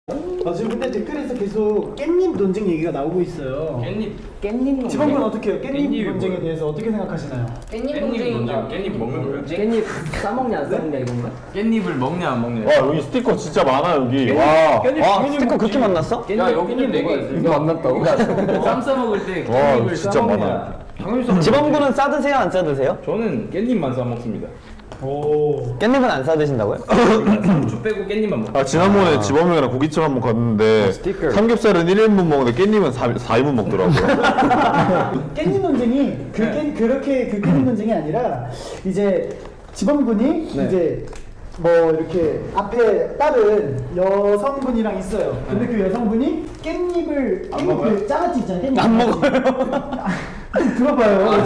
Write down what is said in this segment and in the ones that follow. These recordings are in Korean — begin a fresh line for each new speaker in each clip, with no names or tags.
지금 근데 댓글에서 계속 깻잎 논쟁 얘기가 나오고 있어요.
깻잎 논쟁?
지방군 어떻게 해요? 깻잎 논쟁에 대해서 어떻게 생각하시나요?
깻잎 논쟁 깻잎 먹는 거예요?
깻잎 싸먹냐 안 싸먹냐 이건가?
깻잎을 먹냐 안 먹냐.
와 여기 스티커 진짜 많아 여기. 와.
와 스티커 그렇게 만났어?
야 여기는 네
이거 안 났다고?
쌈 싸먹을 때
와
깻잎을
진짜 많아.
싸먹냐.
지방군은 싸드세요 안 싸드세요?
저는 깻잎만 싸먹습니다.
오.
깻잎은 안 싸드신다고요?
상추 빼고 깻잎만 먹어요.
아 지난번에 지범이랑 고깃집 한번 갔는데 삼겹살은 1인분 먹는데 깻잎은 4인분 먹더라고요.
깻잎 논쟁이 그렇게 그 깻잎 논쟁이 아니라 이제 지방군이 이제 뭐 이렇게 앞에 다른 여성분이랑 있어요. 근데 그 여성분이 깻잎을 깻잎 장아찌 있잖아요. 깻잎 안 먹어요. 좀 들어봐요.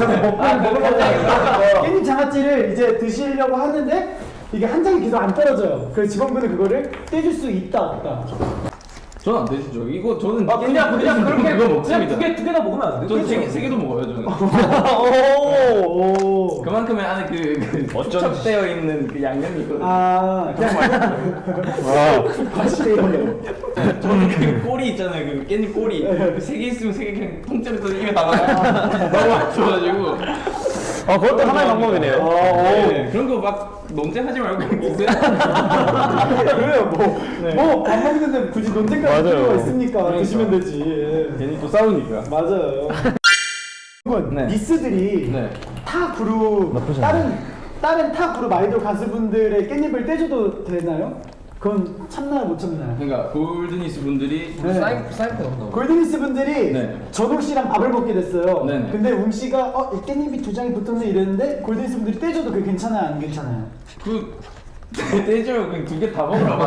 깻잎 장아찌를 이제 드시려고 하는데 이게 한 장이 계속 안 떨어져요. 그래서 지방군은 그거를 떼줄 수 있다 없다.
저는 안 되시죠. 이거 저는
그냥 그렇게
그거 먹습니다.
두 개 다 먹으면 안 돼?
저는 세 개도 먹어요 저는.
오.
그만큼의 안에 그 축적되어 있는 그 양념이 있거든요.
아 그냥 맛있대요.
저는 그 꼬리 있잖아요. 그 깻잎 꼬리. 그 세 개 있으면 세 개 그냥 통째로 입에 담아요. 너무 맛있어가지고.
그것도 하나의 방법이네요.
네, 그런 거 막 논쟁하지 말고 그냥 드세요.
그래요 뭐안 먹는데 굳이 논쟁까지
맞아요.
필요가 있습니까?
그러니까.
드시면 되지.
괜히 또 싸우니까.
맞아요.
네.
미스들이
네.
타 그룹 다른 타 그룹 아이돌 가수분들의 깻잎을 떼줘도 되나요? 그건 참나요 못 참나요?
그러니까 골드니스 분들이
네.
사이코 없나?
골든리스 분들이
네.
전욱 씨랑 밥을 먹게 됐어요.
네네.
근데 웅 씨가 이 깻잎이 두 장이 붙었네 이랬는데 골든리스 분들이 떼줘도 그게 괜찮아요 안 괜찮아요?
떼줘요. 그냥 두 개 다 먹으라고.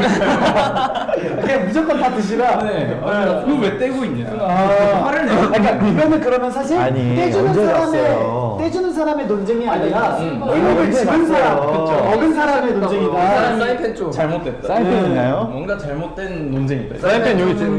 그냥 무조건 다 드시라.
네. 그거 왜 떼고 있냐?
화를 내. 그러니까 이거는 그러면 사실
아니,
떼주는
언제
사람의
났어요?
떼주는 사람의 논쟁이 아니라 깻잎을
언제
집은 사람,
났어요?
먹은 사람의 논쟁이다.
사이펜 좀
잘못됐다.
사이펜 있나요?
뭔가 잘못된 논쟁이다.
사이펜 여기 지금.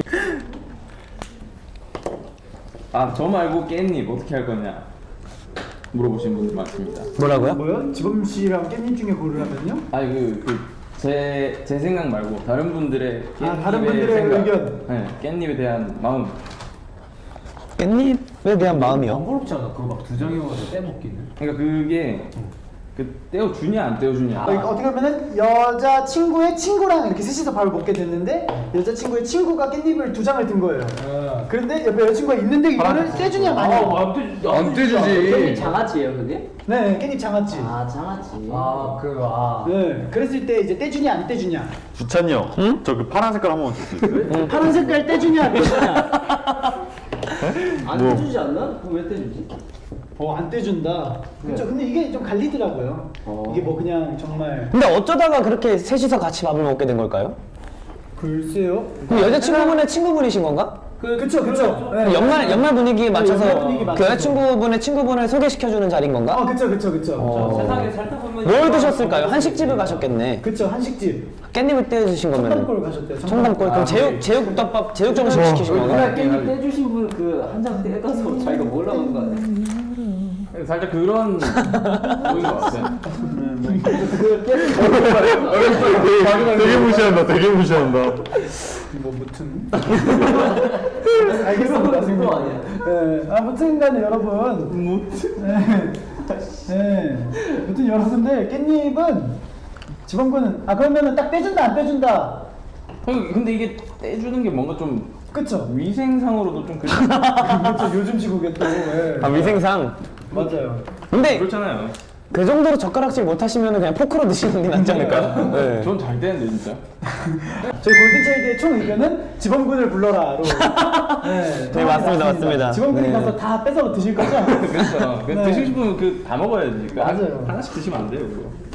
저 말고 깻잎 어떻게 할 거냐 물어보신 분들 많습니다.
뭐라고요?
뭐요? 지범 씨랑 깻잎 중에 고르라면요?
아니 제 생각 말고 다른 분들의
다른 분들의 의견.
네, 깻잎에 대한 마음.
깻잎에 대한 마음이요?
번거롭지 않아? 그거 막 두 장이어가지고 떼먹기는
그러니까 그게 떼어주냐 안 떼어주냐.
그러니까 어떻게 보면은 여자 친구의 친구랑 이렇게 셋이서 밥을 먹게 됐는데 여자 친구의 친구가 깻잎을 두 장을 든 거예요. 그런데 옆에 여자친구가 있는데 이거를 떼주냐 마냐.
안 떼주지.
장아찌예요 그게?
네, 깻잎 장아찌.
장아찌
네, 그랬을 때 이제 떼주냐 안 떼주냐.
주찬이 형. 저 그 파란 색깔 한번 줄 수 있어요?
파란 색깔 떼주냐 안 떼주냐.
안
뭐.
떼주지 않나? 그럼 왜 떼주지?
안 떼준다. 그렇죠. 근데 이게 좀 갈리더라고요. 이게 뭐 그냥 정말
근데 어쩌다가 그렇게 셋이서 같이 밥을 먹게 된 걸까요?
글쎄요.
그럼 여자친구분의 친구분이신 건가?
그쵸. 네.
연말 분위기에 맞춰서
연말 분위기
그
맞춰서.
여자친구분의 친구분을 소개시켜주는 자리인 건가?
그쵸.
세상에 살다 보면
뭘 드셨을까요? 한식집을 가셨겠네.
그쵸, 한식집.
깻잎을 떼주신 거면
청담골 가셨대요.
청담골. 그럼 제육덮밥, 제육정식 시키신 건가?
깻잎 떼주신 분 그 한 장 떼가서 자기가 먹으려고 하는 거 아니야?
살짝 그런 보인 것 같아요.
되게 무시한다. 되게 무시한다.
뭐 무튼 알겠습니다.
그거 아니야?
네, 아무튼간에 여러분 네, 무튼 여러분들 깻잎은 지방군은 그러면은 딱 떼준다 안 떼준다.
근데 이게 떼주는 게 뭔가 좀
그쵸.
위생상으로도 좀
그렇죠. 요즘 시국에 또
위생상.
맞아요.
근데
그렇잖아요.
그 정도로 젓가락질 못하시면 그냥 포크로 드시는 게 낫지 않을까요? 네.
전 잘 떼는데 진짜.
저희 골든차일드의 총 의견은 지범군을 불러라로.
네, 맞습니다.
지범군이
네.
가서 다 뺏어 드실 거죠?
그렇죠.
네.
드시고 싶으면 다 먹어야지.
맞아요.
하나씩 드시면 안 돼요, 그거.